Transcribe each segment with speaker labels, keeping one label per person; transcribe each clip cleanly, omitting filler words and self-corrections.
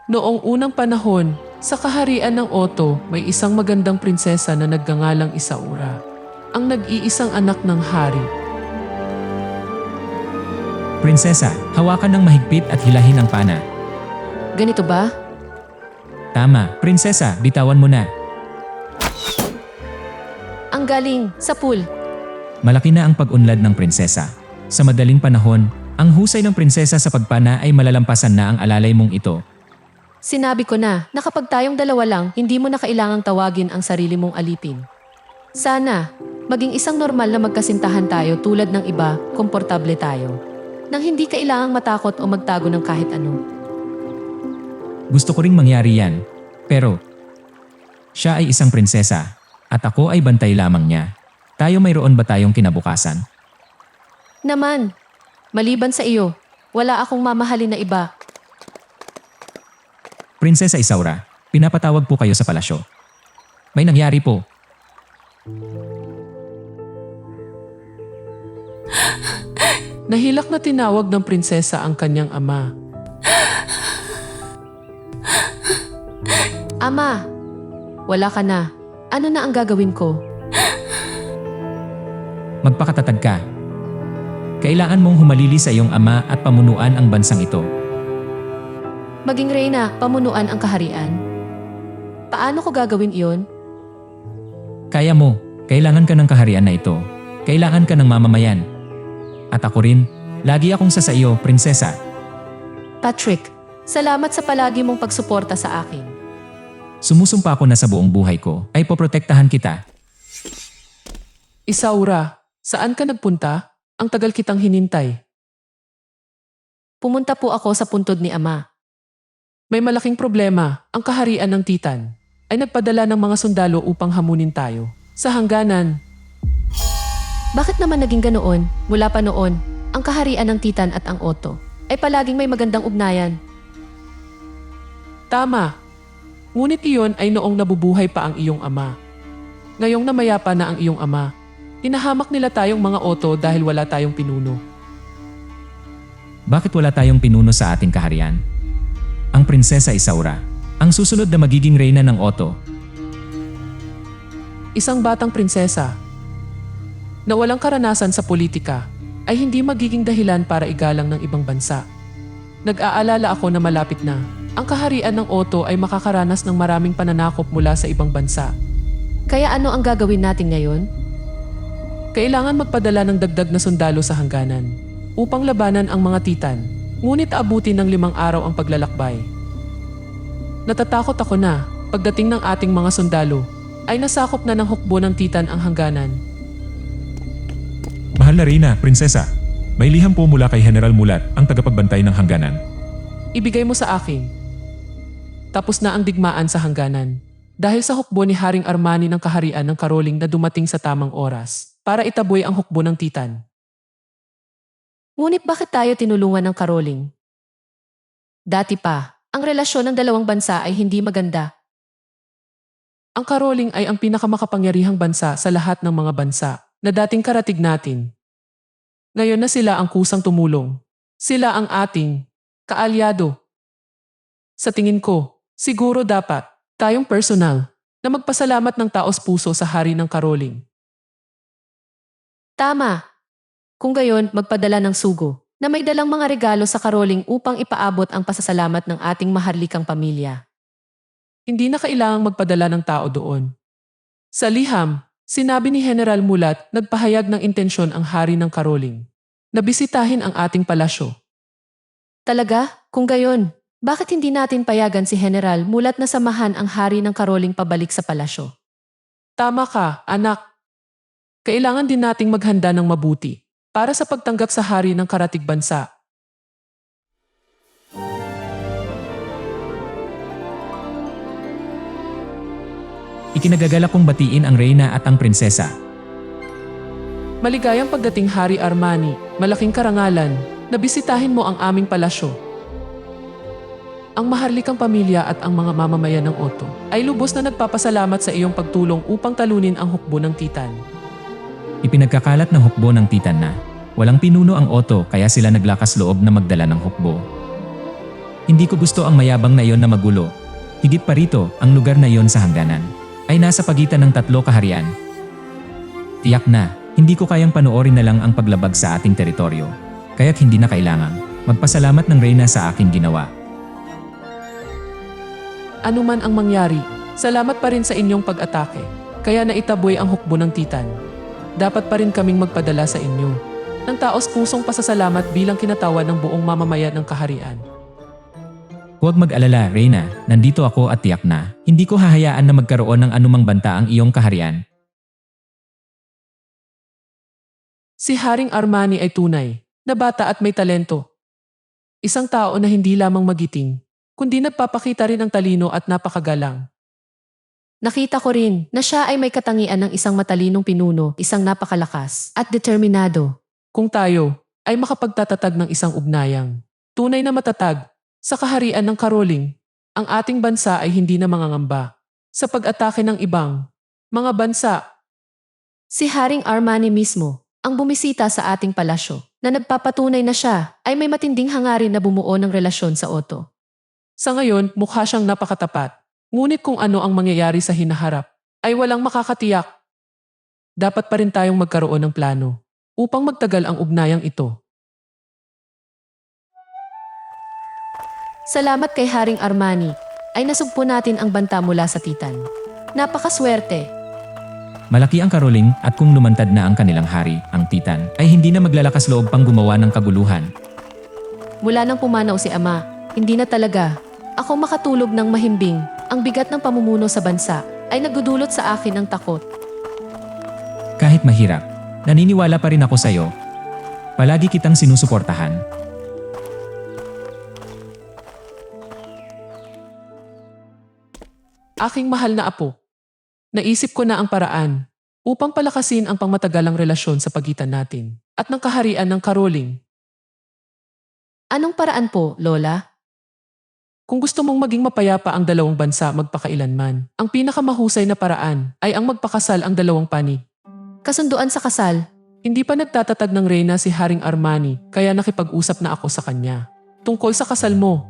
Speaker 1: Noong unang panahon, sa kaharian ng Otto, may isang magandang prinsesa na nagngangalang Isaura, ang nag-iisang anak ng hari.
Speaker 2: Prinsesa, hawakan ng mahigpit at hilahin ang pana.
Speaker 3: Ganito ba?
Speaker 2: Tama, prinsesa, bitawan mo na.
Speaker 3: Ang galing, sa pool.
Speaker 2: Malaki na ang pag-unlad ng prinsesa. Sa madaling panahon, ang husay ng prinsesa sa pagpana ay malalampasan na ang alalay mong ito.
Speaker 3: Sinabi ko na kapag tayong dalawa lang, hindi mo na kailangang tawagin ang sarili mong alipin. Sana, maging isang normal na magkasintahan tayo tulad ng iba, komportable tayo. Nang hindi kailangang matakot o magtago ng kahit ano.
Speaker 2: Gusto ko ring mangyari yan. Pero, siya ay isang prinsesa at ako ay bantay lamang niya. Tayo mayroon ba tayong kinabukasan?
Speaker 3: Naman, maliban sa iyo, wala akong mamahalin na iba.
Speaker 2: Prinsesa Isaura, pinapatawag po kayo sa palasyo. May nangyari po.
Speaker 1: Nahilak na tinawag ng prinsesa ang kanyang ama.
Speaker 3: Ama, wala ka na. Ano na ang gagawin ko?
Speaker 2: Magpakatatag ka. Kailangan mong humalili sa iyong ama at pamunuan ang bansang ito.
Speaker 3: Maging reyna, pamunuan ang kaharian. Paano ko gagawin iyon?
Speaker 2: Kaya mo, kailangan ka ng kaharian na ito. Kailangan ka ng mamamayan. At ako rin, lagi akong sa iyo, prinsesa.
Speaker 3: Patrick, salamat sa palagi mong pagsuporta sa akin.
Speaker 2: Sumusumpa ako na sa buong buhay ko ay poprotektahan kita.
Speaker 1: Isaura, saan ka nagpunta? Ang tagal kitang hinintay.
Speaker 3: Pumunta po ako sa puntod ni Ama.
Speaker 1: May malaking problema. Ang kaharian ng Titan ay nagpadala ng mga sundalo upang hamunin tayo. Sa hangganan,
Speaker 3: Bakit naman naging ganoon? Mula pa noon, ang kaharian ng Titan at ang Otto ay palaging may magandang ugnayan.
Speaker 1: tama. Ngunit iyon ay noong nabubuhay pa ang iyong ama. Ngayong namayapa na ang iyong ama, tinahamak nila tayong mga Otto dahil wala tayong pinuno.
Speaker 2: Bakit wala tayong pinuno sa ating kaharian? Ang prinsesa Isaura, ang susunod na magiging reyna ng Otto.
Speaker 1: Isang batang prinsesa na walang karanasan sa politika ay hindi magiging dahilan para igalang ng ibang bansa. Nag-aalala ako na malapit na ang kaharian ng Otto ay makakaranas ng maraming pananakop mula sa ibang bansa.
Speaker 3: Kaya ano ang gagawin natin ngayon?
Speaker 1: Kailangan magpadala ng dagdag na sundalo sa hangganan upang labanan ang mga Titan, ngunit abutin ng 5 araw ang paglalakbay. Natatakot ako na pagdating ng ating mga sundalo ay nasakop na ng hukbo ng Titan ang hangganan.
Speaker 4: Mahal na Reyna, prinsesa. May liham po mula kay General Mulat, ang tagapagbantay ng hangganan.
Speaker 1: Ibigay mo sa akin. Tapos na ang digmaan sa hangganan dahil sa hukbo ni Haring Armani ng kaharian ng Karoling na dumating sa tamang oras para itaboy ang hukbo ng Titan.
Speaker 3: Ngunit bakit tayo tinulungan ng Karoling? Dati pa, ang relasyon ng dalawang bansa ay hindi maganda.
Speaker 1: Ang Karoling ay ang pinakamakapangyarihang bansa sa lahat ng mga bansa na dating karatig natin. Ngayon na sila ang kusang tumulong. Sila ang ating kaalyado. Sa tingin ko, siguro dapat tayong personal na magpasalamat ng taos puso sa hari ng Karoling.
Speaker 3: Tama. Kung gayon, magpadala ng sugo na may dalang mga regalo sa Karoling upang ipaabot ang pasasalamat ng ating maharlikang pamilya.
Speaker 1: Hindi na kailangang magpadala ng tao doon. Sa liham, sinabi ni General Mulat nagpahayag ng intensyon ang hari ng Karoling na bisitahin ang ating palasyo.
Speaker 3: Talaga? Kung gayon, bakit hindi natin payagan si General Mulat na samahan ang hari ng Karoling pabalik sa palasyo?
Speaker 1: Tama ka, anak. Kailangan din nating maghanda ng mabuti para sa pagtanggap sa hari ng karatig bansa.
Speaker 2: Ikinagagalak kong batiin ang reyna at ang prinsesa.
Speaker 1: Maligayang pagdating Hari Armani, malaking karangalan, na bisitahin mo ang aming palasyo. Ang maharlikang pamilya at ang mga mamamayan ng Otto ay lubos na nagpapasalamat sa iyong pagtulong upang talunin ang hukbo ng Titan.
Speaker 2: Ipinagkakalat ng hukbo ng Titan na walang pinuno ang Otto kaya sila naglakas loob na magdala ng hukbo. Hindi ko gusto ang mayabang na iyon na magulo. Higit pa rito, ang lugar na iyon sa hangganan ay nasa pagitan ng 3 kaharian. Tiyak na, hindi ko kayang panoorin na lang ang paglabag sa ating teritoryo. Kaya't hindi na kailangang magpasalamat ng Reyna sa aking ginawa.
Speaker 1: Ano man ang mangyari, salamat pa rin sa inyong pag-atake. Kaya naitaboy ang hukbo ng Titan. Dapat pa rin kaming magpadala sa inyo ng taos-pusong pasasalamat bilang kinatawan ng buong mamamayan ng kaharian.
Speaker 2: Huwag mag-alala, Reyna. Nandito ako at tiyak na hindi ko hahayaan na magkaroon ng anumang banta ang iyong kaharian.
Speaker 1: Si Haring Armani ay tunay na bata at may talento. Isang tao na hindi lamang magiting, kundi nagpapakita rin ng talino at napakagalang.
Speaker 3: Nakita ko rin na siya ay may katangian ng isang matalinong pinuno, isang napakalakas at determinado.
Speaker 1: Kung tayo ay makapagtatatag ng isang ugnayang tunay na matatag sa kaharian ng Karoling, ang ating bansa ay hindi na mangangamba sa pag-atake ng ibang mga bansa.
Speaker 3: Si Haring Armani mismo ang bumisita sa ating palasyo na nagpapatunay na siya ay may matinding hangarin na bumuo ng relasyon sa Otto.
Speaker 1: Sa ngayon, mukha siyang napakatapat. Ngunit kung ano ang mangyayari sa hinaharap ay walang makakatiyak. Dapat pa rin tayong magkaroon ng plano upang magtagal ang ugnayang ito.
Speaker 3: Salamat kay Haring Armani ay nasugpo natin ang banta mula sa Titan. Napakaswerte.
Speaker 2: Malaki ang Karoling at kung lumantad na ang kanilang hari, ang Titan, ay hindi na maglalakas loob pang gumawa ng kaguluhan.
Speaker 3: Mula nang pumanaw si Ama, hindi na talaga ako makatulog ng mahimbing. Ang bigat ng pamumuno sa bansa ay nagdudulot sa akin ng takot.
Speaker 2: Kahit mahirap, naniniwala pa rin ako sa iyo. Palagi kitang sinusuportahan.
Speaker 1: Aking mahal na apo, naisip ko na ang paraan upang palakasin ang pangmatagalang relasyon sa pagitan natin at ng kaharian ng Karoling.
Speaker 3: Anong paraan po, Lola?
Speaker 1: Kung gusto mong maging mapayapa ang dalawang bansa magpakailanman, ang pinakamahusay na paraan ay ang magpakasal ang dalawang panig.
Speaker 3: Kasunduan sa kasal.
Speaker 1: Hindi pa nagtatatag ng reyna si Haring Armani kaya nakipag-usap na ako sa kanya tungkol sa kasal mo.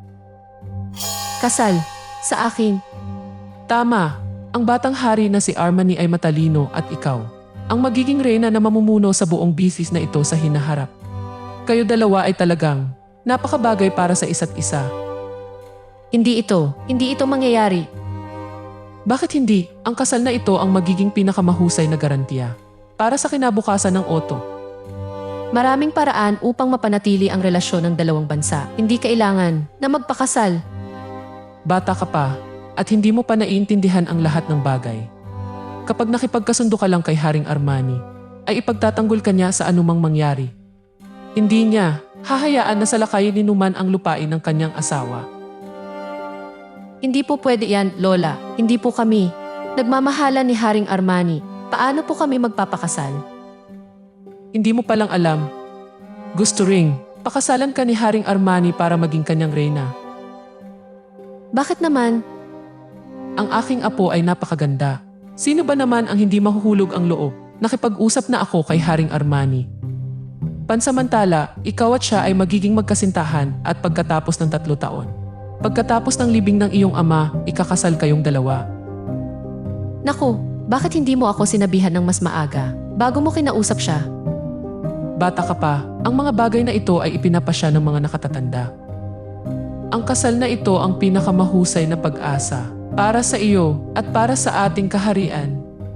Speaker 3: Kasal. Sa akin.
Speaker 1: Tama, ang batang hari na si Armani ay matalino at ikaw ang magiging reyna na mamumuno sa buong bisis na ito sa hinaharap. Kayo dalawa ay talagang napakabagay para sa isa't isa.
Speaker 3: Hindi ito mangyayari.
Speaker 1: Bakit hindi? Ang kasal na ito ang magiging pinakamahusay na garantiya para sa kinabukasan ng Otto.
Speaker 3: Maraming paraan upang mapanatili ang relasyon ng dalawang bansa. Hindi kailangan na magpakasal.
Speaker 1: Bata ka pa at hindi mo pa naiintindihan ang lahat ng bagay. Kapag nakipagkasundo ka lang kay Haring Armani, ay ipagtatanggol ka niya sa anumang mangyari. Hindi niya hahayaan na salakayin ni Numan ang lupain ng kanyang asawa.
Speaker 3: Hindi po pwede yan, Lola. Hindi po kami. Nagmamahalan ni Haring Armani. Paano po kami magpapakasal?
Speaker 1: Hindi mo palang alam. Gusto ring pakasalan ka ni Haring Armani para maging kanyang reyna.
Speaker 3: Bakit naman?
Speaker 1: Ang aking apo ay napakaganda. Sino ba naman ang hindi mahuhulog ang loob? Nakipag-usap na ako kay Haring Armani. Pansamantala, ikaw at siya ay magiging magkasintahan at pagkatapos ng 3 taon. Pagkatapos ng libing ng iyong ama, ikakasal kayong dalawa.
Speaker 3: Naku, bakit hindi mo ako sinabihan ng mas maaga bago mo kinausap siya?
Speaker 1: Bata ka pa, ang mga bagay na ito ay ipinapasya ng mga nakatatanda. Ang kasal na ito ang pinakamahusay na pag-asa para sa iyo at para sa ating kaharian.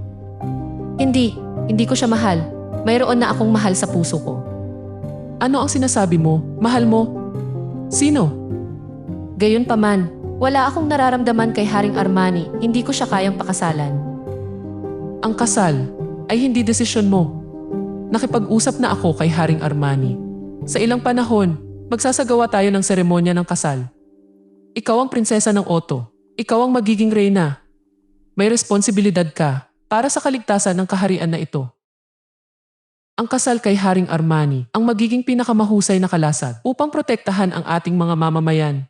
Speaker 3: Hindi ko siya mahal. Mayroon na akong mahal sa puso ko.
Speaker 1: Ano ang sinasabi mo? Mahal mo? Sino?
Speaker 3: Gayunpaman, wala akong nararamdaman kay Haring Armani. Hindi ko siya kayang pakasalan.
Speaker 1: Ang kasal ay hindi desisyon mo. Nakipag-usap na ako kay Haring Armani. Sa ilang panahon, magsasagawa tayo ng seremonya ng kasal. Ikaw ang prinsesa ng Otto. Ikaw ang magiging reyna. May responsibilidad ka para sa kaligtasan ng kaharian na ito. Ang kasal kay Haring Armani ang magiging pinakamahusay na kalasag upang protektahan ang ating mga mamamayan.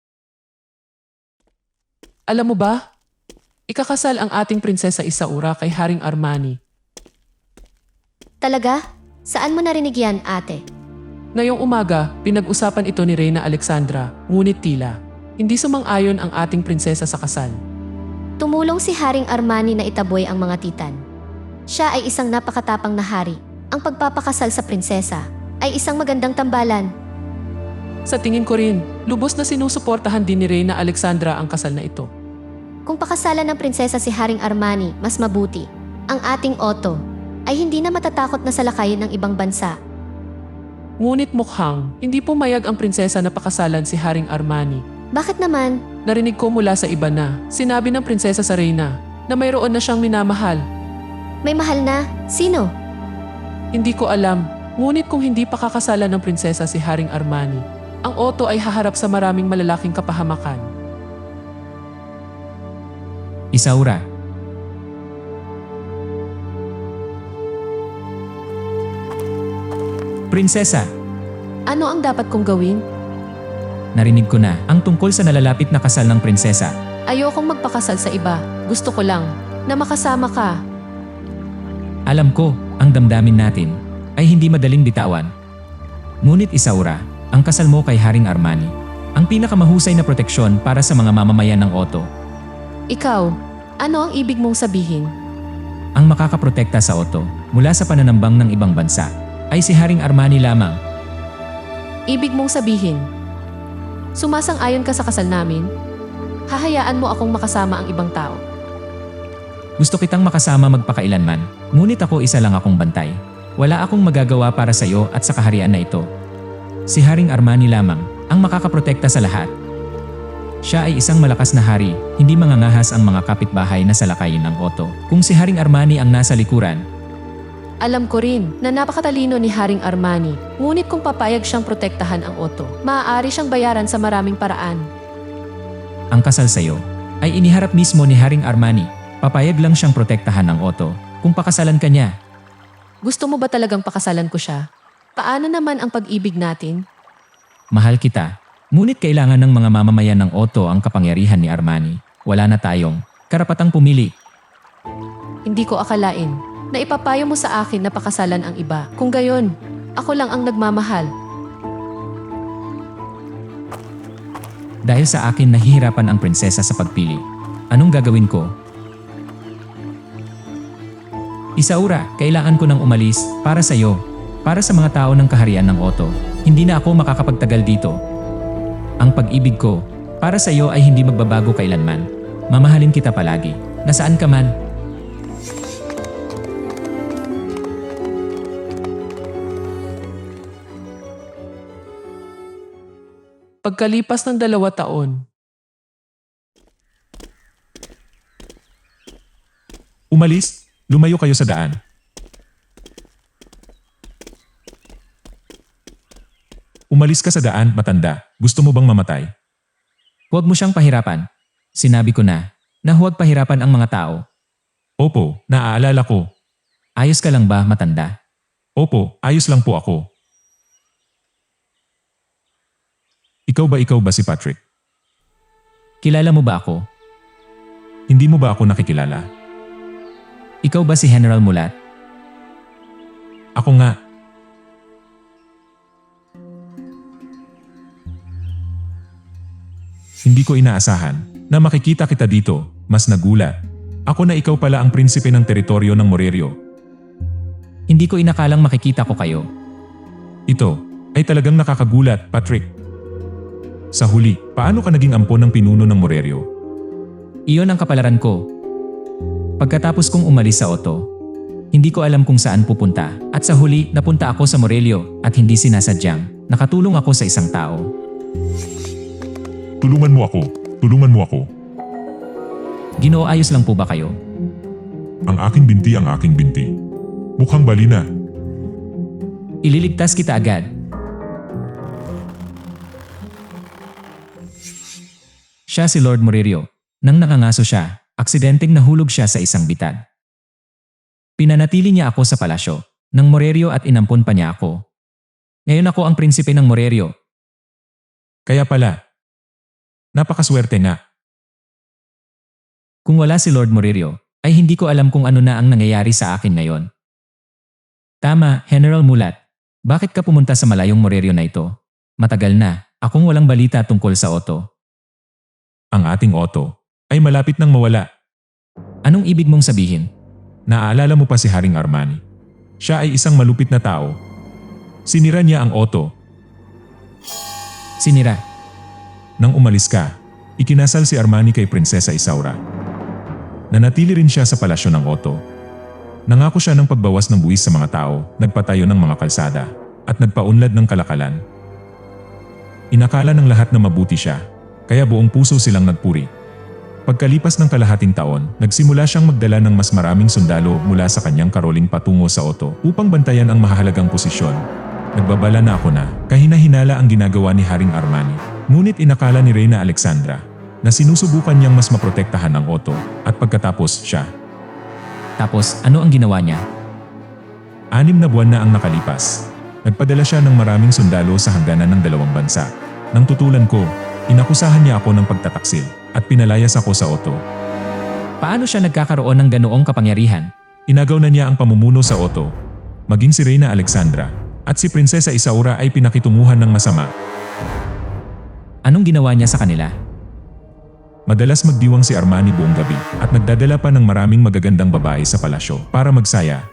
Speaker 1: Alam mo ba? Ikakasal ang ating prinsesa Isaura kay Haring Armani.
Speaker 5: Talaga? Saan mo narinig yan, ate?
Speaker 1: Ngayong umaga, pinag-usapan ito ni Reyna Alexandra, ngunit tila hindi sumang-ayon ang ating prinsesa sa kasal.
Speaker 5: Tumulong si Haring Armani na itaboy ang mga titan. Siya ay isang napakatapang na hari. Ang pagpapakasal sa prinsesa ay isang magandang tambalan.
Speaker 1: Sa tingin ko rin, lubos na sinusuportahan din ni Reyna Alexandra ang kasal na ito.
Speaker 5: Kung pakasalan ng prinsesa si Haring Armani, mas mabuti. Ang ating Otto ay hindi na matatakot na salakayin ng ibang bansa.
Speaker 1: Ngunit mukhang hindi pumayag ang prinsesa na pakasalan si Haring Armani.
Speaker 5: Bakit naman?
Speaker 1: Narinig ko mula sa iba na sinabi ng prinsesa sa Reyna na mayroon na siyang minamahal.
Speaker 5: May mahal na? Sino?
Speaker 1: Hindi ko alam, ngunit kung hindi pakakasalan ng prinsesa si Haring Armani, ang Otto ay haharap sa maraming malalaking kapahamakan.
Speaker 2: Isaura, Prinsesa,
Speaker 3: Ano ang dapat kong gawin?
Speaker 2: narinig ko na ang tungkol sa nalalapit na kasal ng prinsesa.
Speaker 3: Ayokong magpakasal sa iba. Gusto ko lang na makasama ka.
Speaker 2: Alam ko, ang damdamin natin ay hindi madaling bitawan. Ngunit Isaura, ang kasal mo kay Haring Armani, ang pinakamahusay na proteksyon para sa mga mamamayan ng Otto.
Speaker 3: Ikaw, ano ang ibig mong sabihin?
Speaker 2: Ang makakaprotekta sa Otto mula sa pananambang ng ibang bansa ay si Haring Armani lamang.
Speaker 3: Ibig mong sabihin, sumasang-ayon ka sa kasal namin? Hahayaan mo akong makasama ang ibang tao.
Speaker 2: Gusto kitang makasama magpakailanman, ngunit ako isa lang akong bantay. Wala akong magagawa para sa iyo at sa kaharian na ito. Si Haring Armani lamang ang makakaprotekta sa lahat. Siya ay isang malakas na hari, hindi mangangahas ang mga kapitbahay na salakayin ng Otto. Kung si Haring Armani ang nasa likuran,
Speaker 3: Alam ko rin na napakatalino ni Haring Armani, ngunit kung papayag siyang protektahan ang Otto, maaari siyang bayaran sa maraming paraan.
Speaker 2: ang kasal sa iyo ay iniharap mismo ni Haring Armani. Papayag lang siyang protektahan ng Otto kung pakasalan ka niya.
Speaker 3: Gusto mo ba talagang pakasalan ko siya? Paano naman ang pag-ibig natin?
Speaker 2: Mahal kita, ngunit kailangan ng mga mamamayan ng Otto ang kapangyarihan ni Armani. Wala na tayong karapatang pumili.
Speaker 3: Hindi ko akalain na ipapayo mo sa akin na pakasalan ang iba. Kung gayon, ako lang ang nagmamahal.
Speaker 2: Dahil sa akin nahihirapan ang prinsesa sa pagpili. Anong gagawin ko? Isaura, kailangan ko nang umalis para sa iyo, para sa mga tao ng kaharian ng Otto. Hindi na ako makakapagtagal dito. Ang pag-ibig ko para sa iyo ay hindi magbabago kailanman. Mamahalin kita palagi, nasaan ka man.
Speaker 1: Pagkalipas ng 2 taon,
Speaker 4: Umalis, lumayo kayo sa daan. Umalis ka sa daan, matanda. Gusto mo bang mamatay?
Speaker 2: Huwag mo siyang pahirapan. Sinabi ko na huwag pahirapan ang mga tao.
Speaker 4: Opo, naaalala ko.
Speaker 2: Ayos ka lang ba, matanda?
Speaker 4: Opo, ayos lang po ako. Ikaw ba si Patrick?
Speaker 2: Kilala mo ba ako?
Speaker 4: Hindi mo ba ako nakikilala?
Speaker 2: Ikaw ba si General Mulat?
Speaker 4: Ako nga. Hindi ko inaasahan na makikita kita dito, mas nagulat. Ako na ikaw pala ang prinsipe ng teritoryo ng Morerio.
Speaker 2: Hindi ko inakalang makikita ko kayo.
Speaker 4: Ito ay talagang nakakagulat, Patrick. Sa huli, paano ka naging ampon ng pinuno ng Morerio?
Speaker 2: Iyon ang kapalaran ko. Pagkatapos kong umalis sa Otto, hindi ko alam kung saan pupunta at sa huli napunta ako sa Morerio at hindi sinasadyang nakatulong ako sa isang tao.
Speaker 4: Tulungan mo ako. Tulungan mo ako.
Speaker 2: Ginoo, ayos lang po ba kayo?
Speaker 4: Ang aking binti ang aking binti. Mukhang bali na.
Speaker 2: Ililigtas kita agad. Siya si Lord Morerio. Nang nakangaso siya, aksidenteng nahulog siya sa isang bitad. Pinanatili niya ako sa palasyo ng Morerio at inampon pa niya ako. Ngayon ako ang prinsipe ng Morerio.
Speaker 4: Kaya pala. Napakaswerte nga.
Speaker 2: Kung wala si Lord Morerio, ay hindi ko alam kung ano na ang nangyayari sa akin ngayon. Tama, General Mulat. Bakit ka pumunta sa malayong Morerio na ito? Matagal na, akong walang balita tungkol sa Otto.
Speaker 4: Ang ating Otto ay malapit nang mawala.
Speaker 2: Anong ibig mong sabihin?
Speaker 4: Naaalala mo pa si Haring Armani? Siya ay isang malupit na tao. Sinira niya ang Otto.
Speaker 2: Sinira.
Speaker 4: Nang umalis ka, ikinasal si Armani kay Prinsesa Isaura. Nanatili rin siya sa palasyo ng Otto. Nangako siya ng pagbawas ng buwis sa mga tao, nagpatayo ng mga kalsada, at nagpaunlad ng kalakalan. Inakala ng lahat na mabuti siya, kaya buong puso silang nagpuri. Pagkalipas ng kalahating taon, nagsimula siyang magdala ng mas maraming sundalo mula sa kanyang karoling patungo sa Otto upang bantayan ang mahalagang posisyon. Nagbabala na ako na kahina-hinala ang ginagawa ni Haring Armani. Ngunit inakala ni Reyna Alexandra na sinusubukan niyang mas maprotektahan ang Otto at pagkatapos siya.
Speaker 2: Tapos, ano ang ginawa niya?
Speaker 4: 6 na buwan na ang nakalipas. Nagpadala siya ng maraming sundalo sa hangganan ng dalawang bansa. Nang tutulan ko, inakusahan niya ako ng pagtataksil at pinalayas ako sa Otto.
Speaker 2: Paano siya nagkakaroon ng ganoong kapangyarihan?
Speaker 4: Inagaw na niya ang pamumuno sa Otto. Maging si Reyna Alexandra at si Prinsesa Isaura ay pinakitunguhan ng masama.
Speaker 2: Anong ginawa niya sa kanila?
Speaker 4: Madalas magdiwang si Armani buong gabi at nagdadala pa ng maraming magagandang babae sa palasyo para magsaya.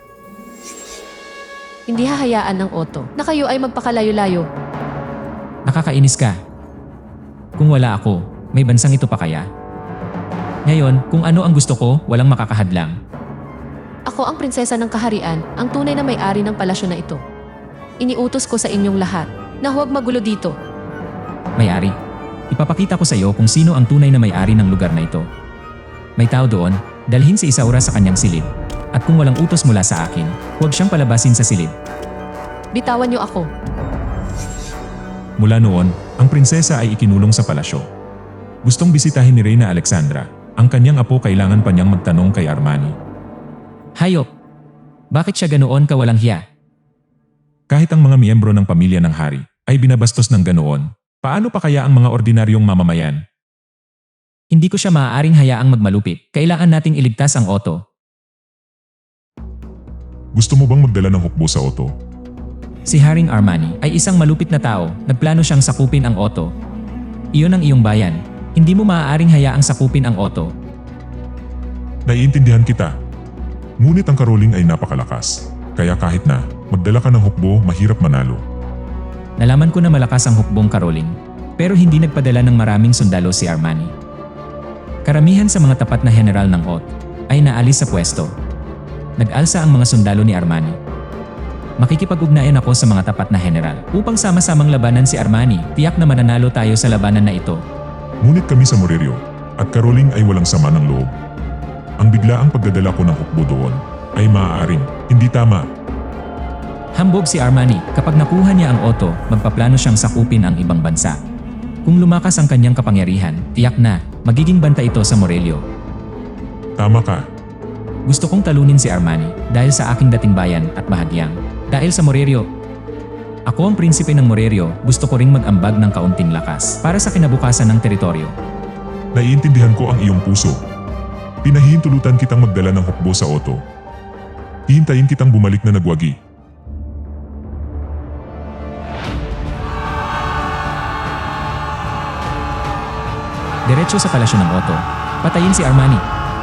Speaker 3: Hindi hahayaan ng Otto na kayo ay magpakalayo-layo.
Speaker 2: Nakakainis ka. Kung wala ako, may bansang ito pa kaya? Ngayon, kung ano ang gusto ko, walang makakahadlang.
Speaker 3: Ako ang prinsesa ng kaharian, ang tunay na may-ari ng palasyo na ito. Iniutos ko sa inyong lahat na huwag magulo dito.
Speaker 2: May-ari. Ipapakita ko sa iyo kung sino ang tunay na may-ari ng lugar na ito. May tao doon, dalhin si Isaura sa kanyang silid. At kung walang utos mula sa akin, huwag siyang palabasin sa silid.
Speaker 3: Bitawan niyo ako.
Speaker 4: Mula noon, ang prinsesa ay ikinulong sa palasyo. Gustong bisitahin ni Reyna Alexandra. Ang kanyang apo kailangan pa niyang magtanong kay Armani.
Speaker 2: Hayop! Bakit siya ganoon kawalang hiya?
Speaker 4: Kahit ang mga miyembro ng pamilya ng hari ay binabastos ng ganoon, paano pa kaya ang mga ordinaryong mamamayan?
Speaker 2: Hindi ko siya maaaring hayaang magmalupit. Kailangan nating iligtas ang Otto.
Speaker 4: Gusto mo bang magdala ng hukbo sa Otto?
Speaker 2: Si Haring Armani ay isang malupit na tao. Nagplano siyang sakupin ang Otto. Iyon ang iyong bayan. Hindi mo maaaring hayaang sakupin ang Otto.
Speaker 4: Naiintindihan kita. Ngunit ang karoling ay napakalakas. Kaya kahit na magdala ka ng hukbo, mahirap manalo.
Speaker 2: Nalaman ko na malakas ang hukbong Caroling. Pero hindi nagpadala ng maraming sundalo si Armani. Karamihan sa mga tapat na general ng OT ay naalis sa pwesto. Nag-alsa ang mga sundalo ni Armani. Makikipag-ugnayan ako sa mga tapat na general upang sama-samang labanan si Armani. Tiyak na mananalo tayo sa labanan na ito.
Speaker 4: Ngunit kami sa Morerio at karoling ay walang sama ng loob. Ang biglaang pagdadala ko ng hukbo doon ay maaaring hindi tama.
Speaker 2: Hambog si Armani. Kapag nakuha niya ang Otto, magpaplano siyang sakupin ang ibang bansa. Kung lumakas ang kanyang kapangyarihan, tiyak na magiging banta ito sa Morerio.
Speaker 4: Tama ka.
Speaker 2: Gusto kong talunin si Armani dahil sa aking dating bayan at bahagyang. Dahil sa Morerio. Ako ang prinsipe ng Morerio, gusto ko ring mag-ambag ng kaunting lakas para sa kinabukasan ng teritoryo.
Speaker 4: Naiintindihan ko ang iyong puso. Pinahihintulutan kitang magdala ng hukbo sa Otto. Hihintayin kitang bumalik na nagwagi.
Speaker 2: Diretso sa palasyo ng Otto. Patayin si Armani.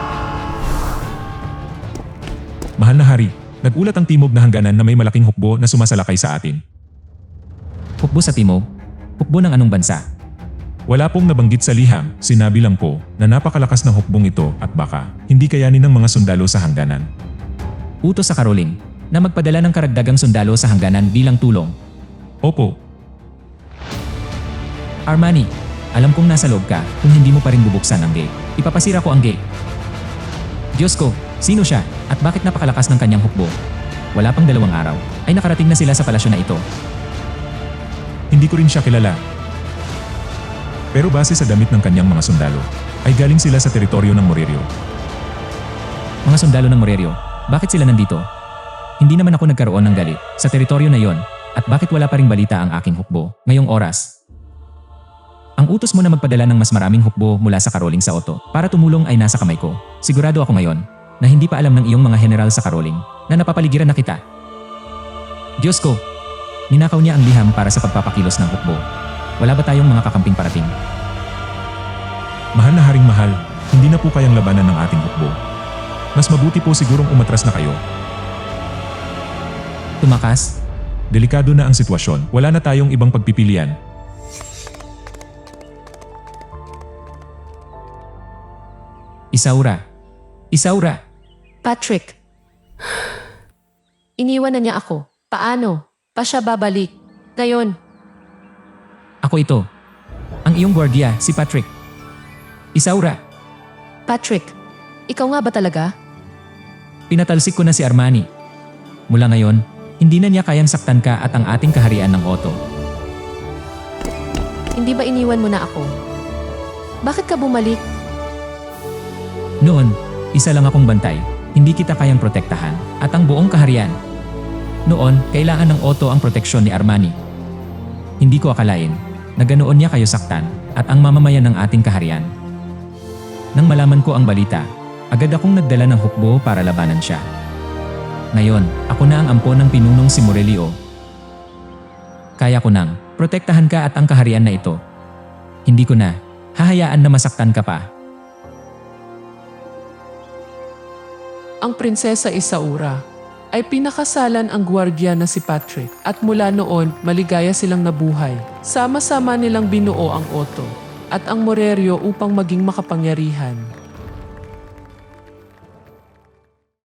Speaker 4: Mahal na hari, nagulat ang timog na hangganan na may malaking hukbo na sumasalakay sa atin.
Speaker 2: Hukbo sa timog? Hukbo ng anong bansa?
Speaker 4: Wala pong nabanggit sa liham, sinabi lang po na napakalakas ng hukbong ito at baka hindi kayanin ng mga sundalo sa hangganan.
Speaker 2: Utos sa Caroling na magpadala ng karagdagang sundalo sa hangganan bilang tulong.
Speaker 4: Opo,
Speaker 2: Armani, alam kong nasa loob ka kung hindi mo pa rin bubuksan ang gate. Ipapasira ko ang gate. Diyos ko, sino siya at bakit napakalakas ng kanyang hukbo? Wala pang 2 araw ay nakarating na sila sa palasyo na ito.
Speaker 4: hindi ko rin siya kilala. Pero base sa damit ng kanyang mga sundalo, ay galing sila sa teritoryo ng Morerio.
Speaker 2: Mga sundalo ng Morerio, bakit sila nandito? Hindi naman ako nagkaroon ng galit sa teritoryo na yon at bakit wala pa ring balita ang aking hukbo ngayong oras? Ang utos mo na magpadala ng mas maraming hukbo mula sa Caroling sa Otto para tumulong ay nasa kamay ko. Sigurado ako ngayon na hindi pa alam ng iyong mga general sa Caroling na napapaligiran na kita. Diyos ko, Ninakaw niya ang liham para sa pagpapakilos ng hukbo. Wala ba tayong mga kakamping parating?
Speaker 4: Mahal na Haring Mahal, hindi na po kayang labanan ng ating hukbo. Mas mabuti po sigurong umatras na kayo.
Speaker 2: Tumakas?
Speaker 4: Delikado na ang sitwasyon, wala na tayong ibang pagpipilian.
Speaker 2: Isaura! Isaura!
Speaker 3: Patrick. Iniwan na niya ako. Paano? Pa siya babalik. Ngayon,
Speaker 2: Ako ito. Ang iyong gwardiya, si Patrick. Isaura!
Speaker 3: Patrick, ikaw nga ba talaga?
Speaker 2: Pinatalsik ko na si Armani. Mula ngayon, hindi na niya kayang saktan ka at ang ating kaharian ng Otto.
Speaker 3: Hindi ba iniwan mo na ako? Bakit ka bumalik?
Speaker 2: Noon, isa lang akong bantay. Hindi kita kayang protektahan at ang buong kaharian. Noon, kailangan ng Otto ang proteksyon ni Armani. Hindi ko akalain na ganoon niya kayo saktan at ang mamamayan ng ating kaharian. Nang malaman ko ang balita, agad akong nagdala ng hukbo para labanan siya. Ngayon, ako na ang ampon ng pinunong si Morelio. Kaya ko nang protektahan ka at ang kaharian na ito. Hindi ko na hahayaan na masaktan ka pa.
Speaker 1: Ang prinsesa Isaura ay pinakasalan ang gwardiya na si Patrick at mula noon maligaya silang nabuhay. Sama-sama nilang binuo ang Otto at ang Morerio upang maging makapangyarihan.